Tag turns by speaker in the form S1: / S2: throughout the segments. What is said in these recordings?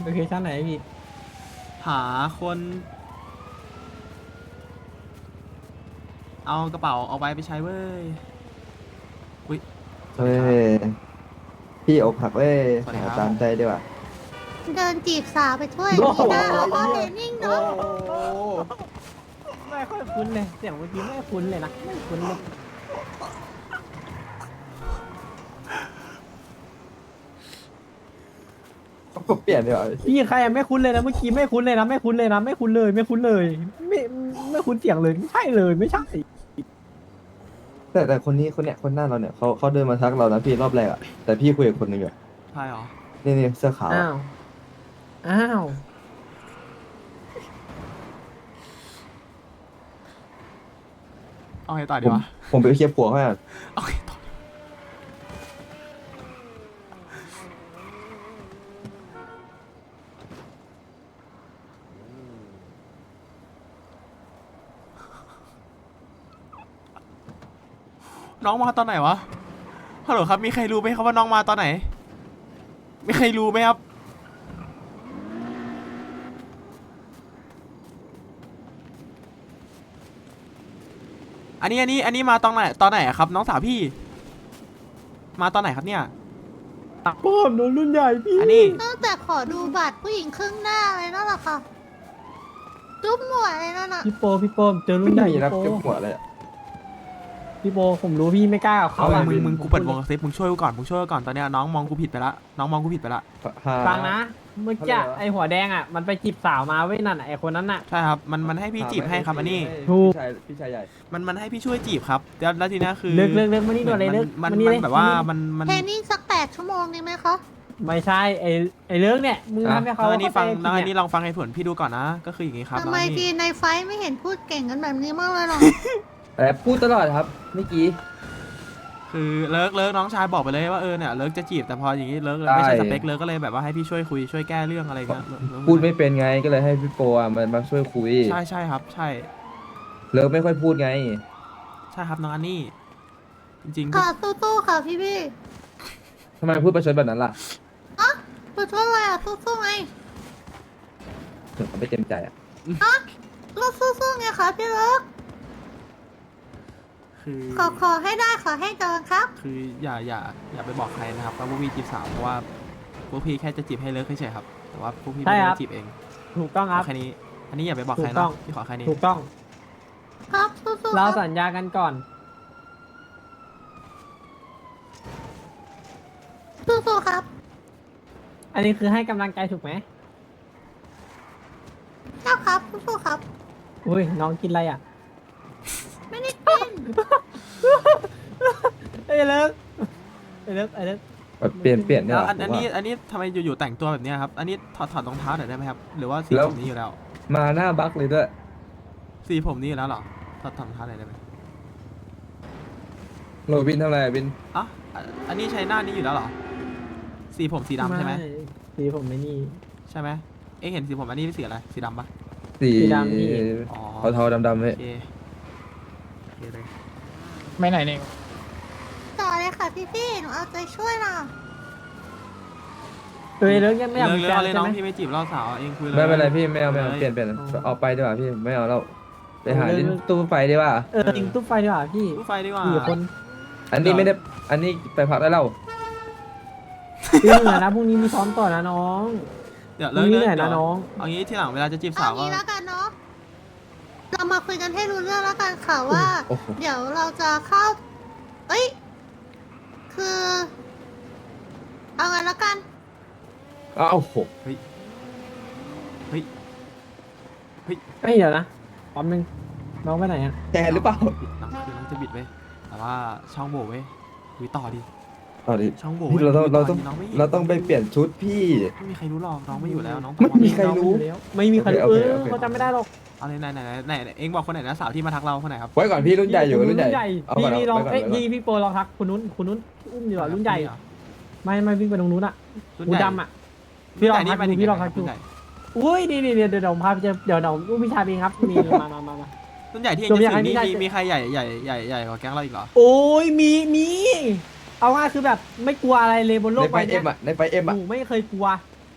S1: โลเคชั่นไหนพี่
S2: หาคน เอากระเป๋าเอาไว้ไปใช้เว้ยอุ้ยสวัส
S3: เฮ้
S2: ดีครับ
S3: ยพี่อกหักเว้ย
S2: สวัสดี
S3: หา
S2: ครับ
S3: ตามใจดีกว่า
S4: เดินจีบสาวไปถ้วย
S3: โอ้
S4: นี้
S3: โห
S4: นะเอาพ่อเทรนนิ่งเนาะ
S1: ไม่ค่อยคุ้นเลยเสียงเมื่อกี้ไม่คุ้นเลยนะไม่คุ้นเลย
S3: ผมเปลี่ยนดีกว่า
S1: พี่ใครอะไม่คุ้นเลยนะเมื่อกี้ไม่คุ้นเลยนะไม่คุ้นเลยนะไม่คุ้นเลยไม่คุ้นเลยไม่ไม่คุ้นเสียงเลยไม่ใช่เลยไม่ใช่
S3: แต่คนนี้คนเนี้ยคนหน้าเราเนี่ยเขาเดินมาทักเรานะพี่รอบแรกอะแต่พี่คุยกับคนหนึ่งอยู่
S2: ใช่เหรอ
S3: นี่เสื้อขาว
S1: อ้า
S3: อะ
S1: วอ้าว
S2: เอาไงต่อ
S3: ผ
S2: ดี
S3: ม
S2: วะ
S3: ผมไปเคลียร์ผัวเขาอ่ะ
S2: เอาไงต่อน้องมาตอนไหนวะฮัลโหลครับมีใครรู้ไหมครับว่าน้องมาตอนไหนมีใครรู้ไหมครับอันนี้มาตอนไหนอะครับ น้องสาวพี่ มาตอนไหนครับเนี่ย
S1: ป้อมโดนรุ่นใหญ่พี่
S2: อันนี้
S4: ตั้งแต่ขอดูบัตรผู้หญิงครึ่งหน้าเลยนั่นแหละค่ะจุ๊บหมวยเลยนั่นน่ะ
S1: พี่โปเจอรุ่นใหญ่
S3: ไม่มีนะ
S1: พี่
S3: เก็บ
S1: โป
S3: หัวเลยอะ
S1: พี่โปผมรู้พี่ไม่กล้ากับเขา
S2: เอา
S1: อะ
S2: มึงกูเปิดวงกับเซฟมึงช่วยกูก่อนตอนเนี้ยน้องมองกูผิดไปละน้องมองกูผิดไปละ
S3: หา
S1: ฟังนะเมื่อกี้
S3: เขาเรียกว่า
S1: ไอหัวแดงอ่ะมันไปจีบสาวมาเว้ยนั่นอะไอคนนั้นอ่ะ
S2: ใช่ครับมันให้พี่จีบให้ครับอันนี้
S1: ถูก
S3: พี่ชายใหญ่
S2: มันให้พี่ช่วยจีบครับแล้วทีเนี้ยคือ
S1: เลิกมานี่ด่วนเลยเลิก
S2: มัน
S1: นี่เลย
S2: แบบว่ามัน
S4: เทรนนิ่งสัก8 ชั่วโมงดีไหมคะ
S1: ไม่ใช่ไอเลิกเนี่ยมึงทำให้เขา
S2: อันนี้ฟัง
S1: เข้าใจ
S2: อัน
S1: ผิ
S2: นี้
S1: ด
S2: ลองฟังให้ผลพี่ดูก่อนนะ ก็คืออย่างงี้ครับ
S4: ทำไม
S2: น้องอัน
S4: ดี
S2: นี้
S4: ในไฟท์ไม่เห็นพูดเก่งกันแบบนี้มากเลยหรอ
S3: แต่พูดตลอดครับเมื่อกี้
S2: คือเลิกน้องชายบอกไปเลยว่าเนี่ยเลิกจะจีบแต่พออย่างงี้เลิกไม่ใช่สเปคเลิกก็เลยแบบว่าให้พี่ช่วยคุยช่วยแก้เรื่องอะไรเงี้ยเลิก
S3: พูดไม่เป็นไงก็เลยให้พี่โปอ่ะมันมาช่วยคุย
S2: ใช่ครับใช่
S3: เลิกไม่ค่อยพูดไง
S2: ใช่ครับน้องอันนี้จริงๆ
S4: ค่ะสู้ๆค่ะพี่
S3: ทำไมพูดประชดแบบนั้นล่ะ
S4: อ่ะตัวช่วยอะไรอ่ะสู้ๆไง
S3: ถึงเขาไม่เต็มใจอ่ะ
S4: ก็สู้ๆไงคะพี่เลิก
S2: คือ
S4: ขอให้ได้ขอให้เจอครับ
S2: คืออย่าไปบอกใครนะครับว่าพวกพี่จีบสาวเพราะว่าพวกพี่แค่จะจีบให้เลิกเฉยๆครับแต่ว่าพวกพี่ไม่ได้จีบเอง
S1: ถูกต้องครับ
S2: แค่นี้อันนี้อย่าไปบอกใคร
S1: ถูกต้
S2: นะ
S1: อง
S2: พี่ขอแค่นี้
S1: ถูกต้อง
S4: ครับสู้ๆค
S1: เรา
S4: รับ
S1: สัญญากันก่อน
S4: สู้ๆครับ
S1: อันนี้คือให้กำลังใจถูกไหม
S4: เจ้าครับสู้ๆครับ
S1: อุ้ยน้องกินอะไรอ่ะ
S4: ไม่ได้กิน
S1: ไอ้เลิกไอ้เลิก
S3: แบบเปลี่ยนเนี่ย
S2: แล้ว
S3: หรอ
S2: อัน
S3: ผมว่า
S2: นี้ทำไมอยู่ๆแต่งตัวแบบเนี้ยครับอันนี้ถอดรองเท้าหน่อยได้ไหมครับหรือว่าสี
S3: แล้ว
S2: ผมนี้อยู่แล้ว
S3: มาหน้าบักเลยด้วย
S2: สีผมนี้อยู่แล้วเหรอถอดรองเท้าหน่อยได้ไหม
S3: โรบินทำอะไรอะบิน
S2: อ่ะอันนี้ใช้หน้านี้อยู่แล้วเหรอสีผมสีดำใช่ไหม
S1: สีผมไม่นี่
S2: ใช่ไหมเอ๊ะเห็นสีผมอันนี้เป็นสีอะไรสีดำปะ
S3: สี
S1: สีดำพี่
S2: อ๋อ
S3: เทาๆดำๆ
S2: โอ
S3: เลย
S2: เคโอเคเลย
S5: ไม่ไหนเนี่ย
S4: ต่อเลยค่ะพี่ๆหนูเอาใจช่วยนะ
S1: เอ้ยเลิกยังไม่อยาก
S2: เลิ
S1: มี
S2: ก
S1: แฟน
S2: เลย
S1: ใช่
S2: น้อง
S1: ไหม
S2: พี่ไม่จีบล่อสาวเองคุยเลย
S3: ไม่เป็นไรพี่ไม่เอา
S2: ลย
S3: เปลี่ยนออกไปดีกว่าพี่ไม่เอาแล้วไปหา
S1: เออ
S3: ลิ้นตู้ไฟดีกว่า
S1: จริงตุ๊บไฟดีกว่าพี่
S2: ตู้ไฟดีกว่า
S1: 4 คน
S3: อันนี้ไม่ได้อันนี้ไปพักได้แล้ว
S1: พี่เหนื่อยนะพรุ่งนี้มีซ้อมต่อนะน้อง
S2: เดี๋ยว
S1: พ
S2: เลิ
S1: รุ่
S2: ก
S1: งนี้
S2: เลิ
S1: เหนื่
S2: ก
S1: อย
S2: เดี๋
S1: นะ
S2: ยว
S1: น้อง
S2: เอางี้ที่หลังเวลาจะจีบ
S4: เอา
S2: สาวก็
S4: งี้แล้วกันเนาะ เรามาคุยกันให้รู้เรื่องแล้วกันค่ะว่า
S3: โอ้โห
S4: เดี๋ยวเราจะเข้า เอ้ย คือ เอางั้นแล้วกัน
S3: อ้าวโห
S2: เฮ้ย
S1: เอ้ยเดี๋ยวนะแป๊บนึงน้องไปไหนอ่ะ
S3: แกหรือเปล่า
S2: น้องคือน้องจะบิดเว้ยแต่ว่าช่องโบเว้ยคุยต่อดิ
S3: เอาดิ
S2: ช่องโบ
S3: พี่
S2: ว้ย
S3: เราต้อง
S2: คุยต่ดิน้ไม่
S3: เราต้องไปเปลี่ยนชุดพี่
S2: ไม่มีใครรู้หรอกน้องไม่อยู่แล้วน้อง
S3: ไม่มีใครรู้
S1: ไม่มีใครรู้
S3: โอเค
S1: เออเขาจำไม่ได้หรอก
S2: เอาเลยไหนเอ็งบอกคนไหนนะสาวที่มาทักเราคนไหนครับ
S3: ไว้ก่อนพี่รุ่นใหญ่อยู่รุ่นใหญ่เอา
S1: พี่
S3: ก่อน
S1: พี่ลอง
S3: ไว้ก่อน
S1: เอ้ย
S3: ไว้ก่อน
S1: พี่โปรลองทักคุณนุ้นอุ้มอยู่เหรอรุ่นใหญ่ไม่วิ่งไปตรงนู้นอ่ะ
S2: รุ่น
S1: หู
S2: ใหญ่
S1: ดำอ่ะ พี่ลอง
S2: รุ่นใหญ่
S1: ทักดู
S2: นี่
S1: พี่ลองทักดู
S2: รุ่นใหญ่
S1: อุ้ยนี่เดี๋ยวผมพาไปเจอเดี๋ยวอุ้มพี่ชายเองครับมีมา
S2: รุ่นใหญ่ที่เอ็ง
S1: จบ
S2: จะ
S1: ยัง
S2: ถึง
S1: ไง
S2: นี่
S1: พี่ชาย
S2: มีใครใหญ่กว่าแก๊งเราอีกเหรอ
S1: โอ้ยมีเอาง่ายคือแบบไม่กลัวอะไรเลยบนโล
S3: ใน
S1: ก
S3: ไฟ
S1: ใบ
S3: เอ็
S1: เนี้
S3: มอ่ะในไฟเอ็ม
S1: ห
S3: อ่ะ
S1: นูไม่เคยกลัว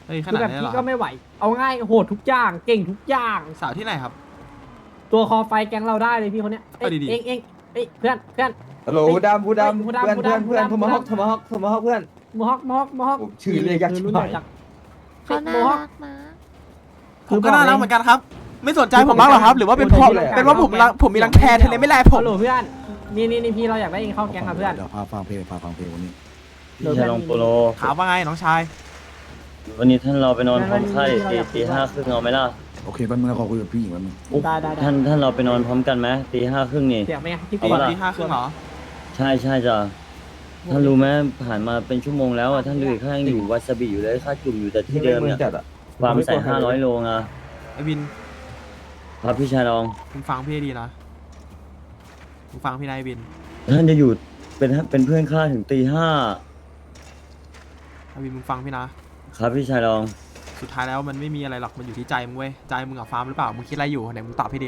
S2: เฮ้ยข
S1: คือ
S2: นาด
S1: แบบ
S2: นี้เหรอ
S1: พี่
S2: ค
S1: ก็
S2: รับ
S1: ไม่ไหว เอาง่ายโหดทุกอย่างเก่งทุกอย่าง
S2: สาวที่ไหนครับ
S1: ตัวคอไฟแก๊งเราได้เลยพี่คนเนี้ยเอ้ย
S2: เอาดีๆ
S1: เองเอ้ยเพื่อน
S3: ฮัลโหลผู้ดำ
S1: เฮ้ยผู้ดำ
S3: เพื่อน
S1: ผู้
S3: เพื่อน
S1: ดำ
S3: เพื่อน
S1: ผู้
S3: โท
S1: ดำ
S3: มาฮอกโทมาฮอกโทมาฮอกเพื่อน
S1: มอฮอก
S3: โอ้ชื่อเรียกยากชิบหาย
S1: รุ่นใหญ่จัง
S4: เขาน่า
S1: โมฮอค
S4: รักนะ
S2: ผมก็น่ารักเหมือนกันครับ ไม่สนใจผมบ้างเหรอครับ หรือว่าเป็นเพราะ
S3: ไม่ได้
S2: เป็นว่าผมมีรังแคทะเลไม่แลผ
S1: ฮั
S2: ม
S1: ลโหลเพื่อนนี่พี่เราอยากได้เองเข้าแก๊งกับเพื่อน
S5: เดี๋ยวพาฟังเพลงวันนี้
S1: เดี๋ยว
S6: พี่ชายลองโปโล
S2: ถามว่าไงน้องชาย
S6: วันนี้ท่านเราไปนอนพร้อมไข้
S1: ไม่
S6: ตี
S1: ไม่
S6: ห้าครึ่งเอาไหมล่ะ
S5: โอเคแป๊บนึงนะขอคุยกับพี่หญิงแป๊บนึง
S1: ได้
S6: ท่านเราไปนอนพร้อมกันไหมตีห้าครึ่งนี่
S1: เสียงไหมพี่
S6: เอา
S1: ปี
S6: ปะล่ะ
S2: ที่ห้าครึ่งเหรอ
S6: ใช่จ้ะท่านรู้ไหมผ่านมาเป็นชั่วโมงแล้วอ่ะท่านดูอีกข้างยังอยู่วาซาบิอยู่เลยค่าจุ่มอยู่แต่ที่เดิม
S3: มือ
S6: เนี่ย
S3: จัดอ่ะ
S6: ความใส่500 โลอ่ะ
S2: ไอ้วิน
S6: ครับพี่ชายลอง
S2: มึงฟังพี่ให้ดีนะมึงฟังพี่นายวิน
S6: ท่านจะอยู่เป็นเพื่อนข้าถึงตีห้า
S2: ไอ้วินมึงฟังพี่นะ
S6: ครับพี่ชายลอง
S2: สุดท้ายแล้วมันไม่มีอะไรหรอก มันอยู่ที่ใจมึงเว้ย ใจมึงกับฟาร์มหรือเปล่า มึงคิดอะไรอยู่ไหนมึงตอบพี่ดิ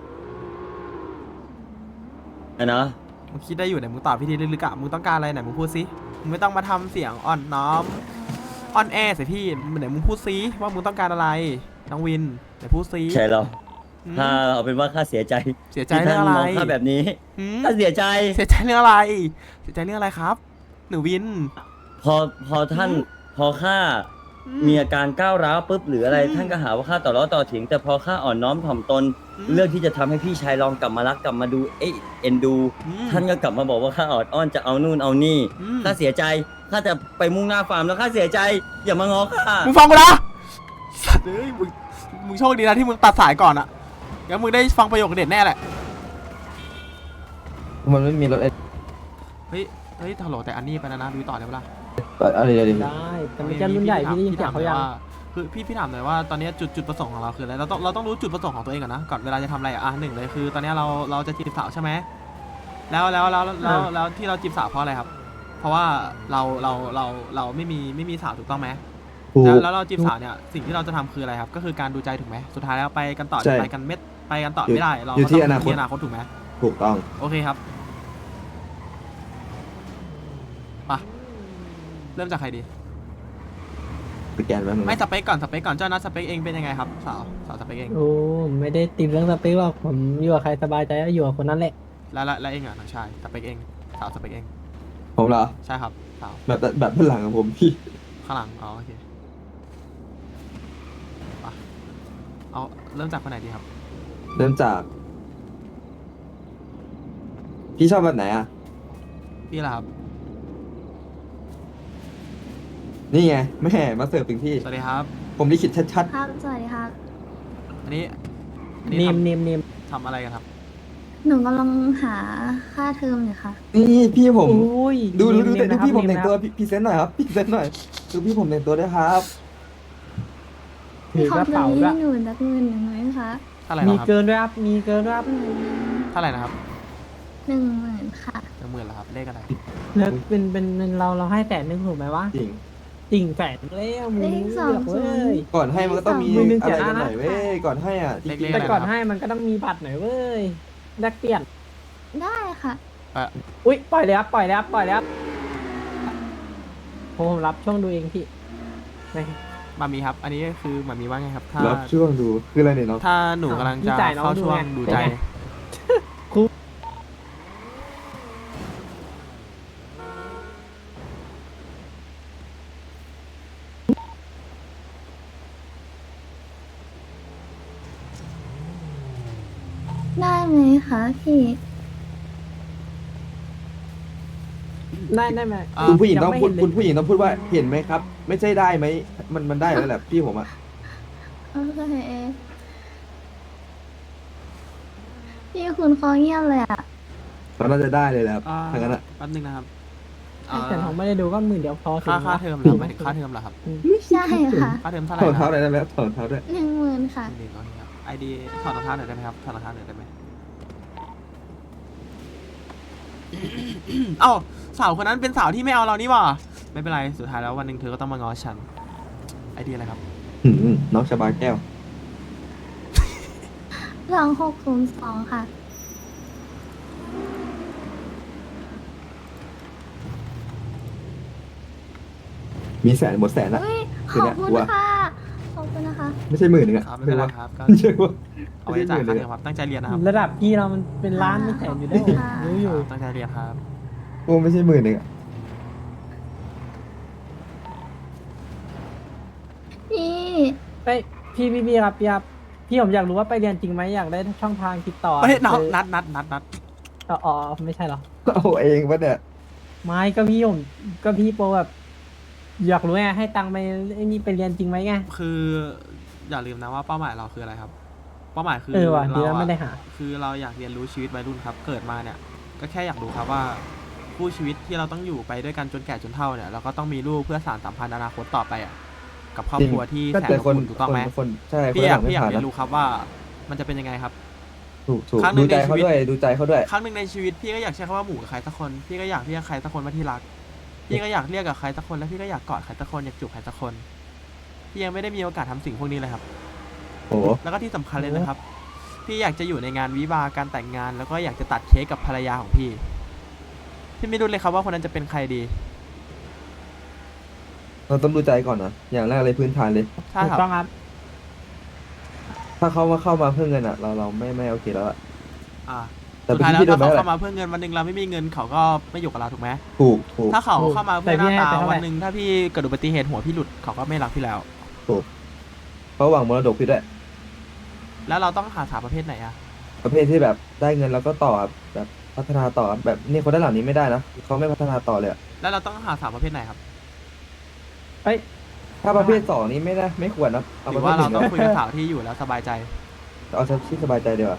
S6: ไอ้นะ
S2: มึงคิดได้อยู่ไหนมึงตอบพี่ดิลึกๆอะมึงต้องการอะไรไหนมึงพูดซิมึงไม่ต้องมาทำเสียงอ่อนน้อมอ่อนแอใส่พี่ไหนมึงพูดซิว่ามึงต้องการอะไรน้องวินไหนพูดซิ
S6: ชายเรา
S2: อืม
S6: ถ้าเอาเป็นว่าข้าเสียใจ
S2: เสียใจ
S6: ที่
S2: เรื่
S6: ท่า
S2: อน งอะไร
S6: มองข้าแบบนี้
S2: หืม
S6: ข้าเสียใจ
S2: เสียใจเรื่องอะไร เสียใจเรื่องอะไรครับ หนูวิน
S6: พอท่านพอข้ามีอาการก้าวร้าวปุ๊บหรืออะไรท่านก็หาว่าข้าต่อล้อต่อเถียงแต่พอข้าอ่อนน้อมถ่อมตน เลือกที่จะทำให้พี่ชายลองกลับมารักกลับมาดูเอ็นดู
S2: อืม
S6: ท่านก็กลับมาบอกว่าข้าออดอ้อนจะเอานู่นเอานี่
S2: อืม
S6: ข้าเสียใจข้าจะไปมุ่งหน้าฟาร์มแล้วข้าเสียใจ อย่ามาง้อข้า
S2: มึงฟังกูนะสัตว์เอ้ยมึงโชคดีนะที่มึงตัดสายก่อนอะงั้นมึงได้ฟังประโยคเด็ดแน่แหละ
S3: มันไม่มีรถ
S2: เฮ้ยฮัลโหลแต่อันนี้ไปแล้วนะดูต่อได้ปะล่ะ
S3: อะไรอะไร
S1: ได้แต่ไม่ใช่รุ่นใหญ่พี่ได้ยินเสียงเขายัง
S2: คือพี่ถามหน่อยว่าตอนนี้จุดประสงค์ของเราคืออะไรเราต้องรู้จุดประสงค์ของตัวเองก่อนนะก่อนเวลาจะทำอะไรอ่ะหนึ่งเลยคือ ตอนนี้เราจะจีบสาวใช่ไหมแล้วที่เราจีบสาวเพราะอะไรครับ เพราะว่าเราไม่มีสาวถูกต้องไหม
S3: ถูก
S2: แล้วเราจีบสาวเนี่ยสิ่งที่เราจะทำคืออะไรครับ ก็คือการดูใจถูกไหมสุดท้ายแล้วไปกันต่อ
S3: ใช่
S2: ไปกันไปกันต่อไม่ได้เรา
S3: อยู่ที่
S2: ก็ต้ง
S3: อนาคต
S2: ที่อนาคตถูกไหม
S3: ถูกต้อง
S2: โอเคครับไปเริ่มจากใครดี
S3: สแกนไว้มึง
S2: ไม่สเปคก่อนเจ้านัดสเปคเองเป็นยังไงครับสาวสเปคเอง
S1: โอ้ไม่ได้ติดเรื่องสเปคหรอกผมอยู่กับใครสบายใจก็อยู่กับคนนั้นแหละ
S2: แล้วเองอ่ะน้องชายสเปคเองสาวสเปคเอง
S3: ผมเหรอ
S2: ใช่ครับสาว
S3: แบบด้านหลังของผมพี่
S2: ข้างหลังอ๋อโอเคไปเอาเริ่มจากคนไหนดีครับ
S3: เริ่มจาก พี่ชอบแบบไหนอ่ะ
S2: พี่ล่ะครับ
S3: นี่ไงแม่มาเสิร์ฟถึงที่
S2: สวัสดีครับ
S3: ผมลิขิตชัด
S4: ครับ สวัสดีครับ
S2: อันนี้
S1: เนม
S2: ทำอะไรกันครับ
S4: หนูกำลังหาค่าเทอมอยู่ค่ะ
S3: ๆนี่พี่ผม
S1: อุ้ย
S3: ดู
S1: เน
S3: แต่
S1: นะ
S3: พี่ผม
S1: เน
S3: แต่งตัว
S1: นะครับ
S3: พรีเซนต์หน่อยครับพรีเซนต์หน่อยดูพี่ผมแต่งตัวด้วยครับ
S1: ถือกระเป๋าด้วย
S4: หนูนักเงินหนึ่งไหมคะ
S2: เท่าไหร่
S1: มี
S2: นะครับ
S1: เกินด้วยครับมีเกินด้วยครับ
S2: เท่าไหร่นะครับ
S4: 10,000ค่ะ
S2: 10,000เหรอครับเลขอะไร
S1: แล้วเป็นเราให้100,000ถูกไหมวะ
S3: จริง
S1: จริงแสนแล้วมึง
S4: เลข
S1: เลือกเว้ย
S3: ก่อนให้มันก็ต้องมี
S1: มือหนึ่ง
S3: อะไร
S1: เสีย
S3: กัน
S1: นะ
S3: หน่อยเว้ยก่อนให้อ่ะจริง
S2: เล็กๆ
S1: แต่ก่อนให้มันก็ต้องมีบัตรหน่อยเว้ยแลกเปลี่ยน
S4: ได้ค่ะ
S1: อุ้ยปล่อยเลยครับปล่อยแล้วผมรับช่วงดูเองพี่ไม่
S2: มามีครับ อันนี้คือมามีว่าไงครับ ถ้า
S3: รับช่วงดูคืออะไรเนี่ยน้อง
S2: ถ้าหนูกำลังจะเข้าช่วงดูใจ
S4: ได้ไหมคะพี่
S1: ได้ไหม
S3: คุณผู้หญิงต้องพูด
S1: ยัไม่เห็นเลย
S3: คุณผู้หญิงต้องพูดว่าเห็นไหมครับ ไม่ใช่ได้ไหมมันได้แล้วแหละพี่ผมอ่ะ
S4: โอเคพี่คุณคอเงียบเลยอ่ะ
S3: มันน่าจะได้เลยแหละครับ
S2: อ่า
S3: ทางนั้นอ่ะ
S2: แป๊บนึงนะครับ
S1: แต่ผมไม่ได้ดูก็10,000เดียวพอถึง
S2: ค่าเทอมเหรอหมายถึงค่าเทอมเหรอครับ
S4: ใช่ค่ะ
S2: ค่าเทอมเท่าไหร่
S3: ถอด
S2: นะค
S3: เท้า
S2: รับ
S3: หน่อยได้ไหมครับถอดเท้าด้วย
S4: 10,000ค่ะ
S2: นี่ก่อนครับไอดีถอดรองเท้าหน่อยได้ไหมครับถอดรองเท้าหน่อยได้ไหม เอ้าสาวคนนั้นเป็นสาวที่ไม่เอาเรานี่หว่าไม่เป็นไรสุดท้ายแล้ววันหนึ่งเธอก็ต้องมาง้อฉันไอเดียอะไรครับ
S3: น้องชาบาแก้ว
S4: 2602ค่ะ
S3: มีแสนหมดแสนละ
S4: อุ้ย ข
S3: คือ
S4: อบ
S3: เนี่ย
S4: คุณ
S3: ว่า
S4: ค่ะ
S3: ไม่ใช่หมื่นหนึ่งอะ
S2: ครับไม่เป็นไรครับก็
S3: ไม่ใช่ว่า
S2: เอาไว้จ่ายค่าเทอมครับตั้งใจเรียนนะครับ
S1: ระดับพี่เรามันเป็นล้านไม่แสนอยู่แล้วรู้อยู่
S2: ตั้งใจเรียนครับ
S3: กูไม่ใช่หมื่นหนึ่งอะ
S4: พี่
S1: ไปพี่ครับพี่ผมอยากรู้ว่าไปเรียนจริงไหมอยากได้ช่องทางติดต่อ
S2: เฮ้ยน้อง
S1: คือ
S2: นัด
S1: อ๋อไม่ใช่เหรอ
S3: เอาเองปะเนี่ย
S1: ไม่ก็พี่โปรแบบอยากรู้ไงให้ตังค์ไปไอ้นี่ไปเรียนจริงไหมไง
S2: คืออย่าลืมนะว่าเป้าหมายเราคืออะไรครับ เป้าหมายคือ
S1: ว่ะดีแล้ว
S2: อะ
S1: ไม่ได้หา
S2: คือเราอยากเรียนรู้ชีวิตวัยรุ่นครับ เกิดมาเนี่ยก็แค่อยากรู้ครับว่าคู่ชีวิตที่เราต้องอยู่ไปด้วยกันจนแก่จนเฒ่าเนี่ยเราก็ต้องมีลูกเพื่อสานสัมพันธ์อนาคตต่อไปอ่ะกับครอบครัวที่
S3: ก็
S2: แสน
S3: แต่
S2: อบ
S3: คน
S2: อุ่นถูกต้องไหม
S3: คนใช่คน
S2: พี่อ
S3: ห
S2: ยา
S3: ลั
S2: ก
S3: งไม่
S2: พี่อยาก
S3: ผ่าน
S2: เรีย
S3: นะ
S2: นรู้ครับว่ามันจะเป็นยังไงครับ
S3: ถูก
S2: ครั้งหนึ่
S3: ดู
S2: ง
S3: ใจ
S2: ในชี
S3: เขา
S2: วิต
S3: ด้วยดูใจเขาด้วย
S2: ครั้งหนึ่งในชีวิตพี่ก็อยากใช้คำว่าหมู่กับใครสักคน พี่ก็อยากเรียกใครสักคนว่าที่รัก พี่ก็อยากเรียกกับใครสักคนแล้วพี่ก็อยากกอดใครสักคนอยากจูบใครสักคน พี่ยังไม่ได้มีโอกาสทำสิ่งพวกนี้เลยครับ
S3: โอ้โห
S2: แล้วก็ที่สำคัญเลยนะครับ พี่อยากจะอยู่ในงานวิวาห์การแต่งงาน แล้วก็อยากจะตัดเค้กกับภรรยาของพี่ พี่ไม่รู้เลยครับว่าคนนั้นจะเป็นใครดี
S3: เราต้องดูใจก่อนนะอย่างแรกเลยพื้นฐานเลย
S2: ใช่
S1: ถู
S2: ครั
S1: ก
S2: บ
S1: ต้องครับ
S3: ถ้าเขาเข้ามาเพื่อเงินอะเราไม่โอเคแล้วอะ
S2: อ่า
S3: แต่
S2: สุดท้ายแล้ว
S3: พี่โด
S2: ถ้าน
S3: ไป
S2: เขา
S3: แล้ว
S2: เข้ามาเพื่อเงินวันหนึ่งเราไม่มีเงินเขาก็ไม่อยู่กับเราถูกไหม
S3: ถูก
S2: ถ้าเขาเข้ามาเพื่อหน้า
S1: แต่พี่ให้
S2: ตา
S1: ไปเท่าไหร่
S2: วันหนึ่งถ้าพี่เกิดอุบัติเหตุหัวพี่หลุดเขาก็ไม่รักพี่แล้ว
S3: เขาหวังมรดกพี่ด้วย
S2: แล้วเราต้องหาสาวประเภทไหนอะ
S3: ประเภทที่แบบได้เงินแล้วก็ต่อแบบพัฒนาต่อแบบนี่คนด้านหลังนี้ไม่ได้นะเขาไม่พัฒนาต่อเลยอะ
S2: แล้วเราต้องหาสาวประเภทไหนครับ
S1: เอ้ย
S3: ถ้าประเภทสองนี้ไม่ได้ไม่ควรนะ
S2: ห
S3: เอา
S2: รื
S3: ประ
S2: อ
S3: เภท
S2: ว่า
S3: ห
S2: เรา
S3: นึ่ง
S2: ต้องคุยกับสาวที่อยู่แล้วสบายใจ
S3: เอาที่สบายใจดีกว่า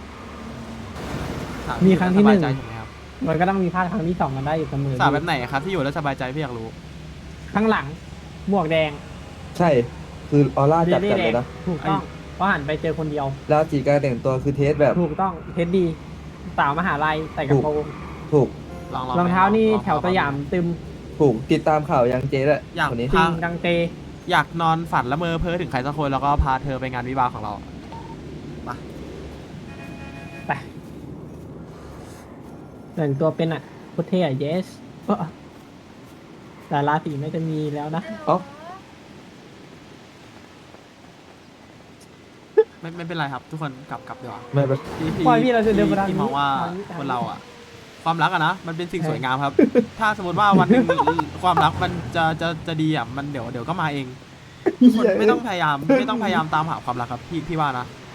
S2: สาว
S1: มี
S2: ที่
S1: ครั้ง
S2: อยู่
S1: ที่
S2: แล้วส
S1: หนึ่
S2: บาย
S1: ง
S2: ใจถูกไหมครับ
S1: มันก็ต้องมีพลาดครั้งที่สองกันได้อยู่เสมอ
S2: สาวแบบไหนครับที่อยู่แล้วสบายใจพี่อยากรู้
S1: ข้างหลังหมวกแดง
S3: ใช่คือออร่าจัด
S1: เบ
S3: จัด
S1: แด
S3: เลย
S1: ง
S3: นะ
S1: ถูกต้องเพราะหันไปเจอคนเดียว
S3: แล้วจีการแต่งตัวคือเทสแบบ
S1: ถูกต้องเทสดีสาวมหาลัยใส่กระโปรง
S3: ถูก
S1: รองเท้านี่
S2: ลอง
S1: แถวสยามตึม
S3: ถูกติดตามข่าวยังเจ๊ด้วย
S2: อยาก
S3: คนนี้
S1: จริ
S2: พาง
S1: ดังเต
S2: อยากนอนฝันละเมอเพ้อถึงใครสักคนแล้วก็พาเธอไปงานวิวาห์ของเรา
S1: ไปแต่งตัวเป็นอ่ะโคตรเท่อะ yes แต่ราศีไม่จะมีแล้วนะ
S3: เอ้า
S2: ไม่เป็นไรครับ ทุกคนกลับดีกว่า
S3: ไม่เป็น
S1: ปล่อยพี่เราจะเดินมาทางนี้
S2: พี่มองว่า
S1: ทางนี้
S2: คนเราอะความรักอะนะมันเป็นสิ่ง
S1: ใช่
S2: สวยงามครับ ถ้าสมมติว่าวันหนึ่ง ความรักมันจะดีอะมันเดี๋ยวก็มาเองคนไม่ต้องพยายามตามหาความรักครับพี่ว่านะ